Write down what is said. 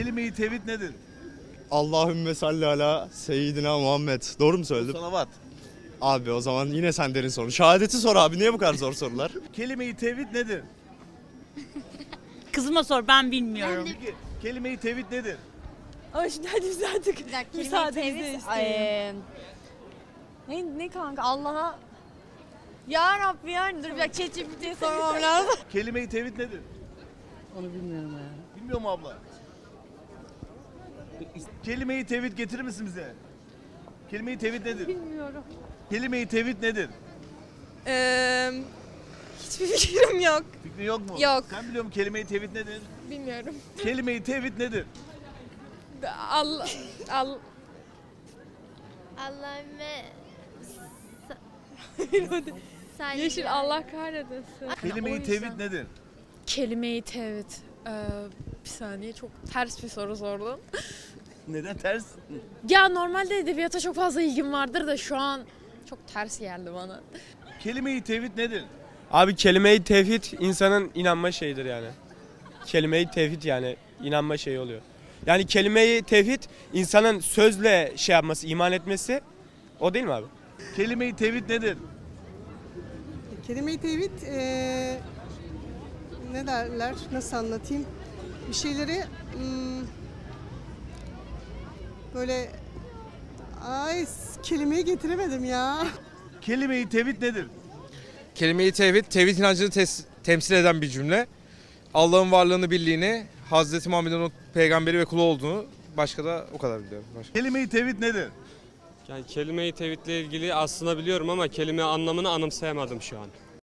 Kelime-i tevhid nedir? Allahümme salli ala seyyidina Muhammed. Doğru mu söyledim? Salavat. Abi o zaman yine sen derin soru. Şehadeti sor abi. Niye bu kadar zor sorular? Kelime-i tevhid nedir? Kızıma sor, ben bilmiyorum. Peki kelime-i tevhid nedir? Ama şimdi hadi biz artık müsaadenizi tevhid, isteyin. Ne kanka Allah'a ya Rabbi ya dur bir dakika ChatGPT'ye sormam lazım. Kelime-i tevhid nedir? Onu bilmiyorum ya. Bilmiyor mu abla? Kelime-i tevhid getirir misin bize? Kelime-i tevhid nedir? Bilmiyorum. Kelime-i tevhid nedir? Hiçbir fikrim yok. Fikrin yok mu? Yok. Sen biliyor musun kelime-i tevhid nedir? Bilmiyorum. Kelime-i tevhid nedir? Allah Allahümme salli Yeşil Allah kahretsin. Kelime-i tevhid nedir? Kelime-i tevhid. Bir saniye çok ters bir soru sordun. Neden ters? Ya normalde edebiyata çok fazla ilgim vardır da şu an çok ters geldi bana. Kelime-i tevhid nedir? Abi kelime-i tevhid insanın inanma şeyidir yani. Kelime-i tevhid yani inanma şeyi oluyor. Yani kelime-i tevhid insanın sözle şey yapması, iman etmesi o değil mi abi? Kelime-i tevhid nedir? Kelime-i tevhid ne derler, nasıl anlatayım? Bir şeyleri böyle kelimeyi getiremedim ya. Kelime-i tevhid nedir? Kelime-i tevhid, tevhid inancını temsil eden bir cümle. Allah'ın varlığını, birliğini, Hazreti Muhammed'in o peygamberi ve kulu olduğunu, başka da o kadar biliyorum. Kelime-i tevhid nedir? Yani kelime-i tevhidle ilgili aslında biliyorum ama kelime anlamını anımsayamadım şu an.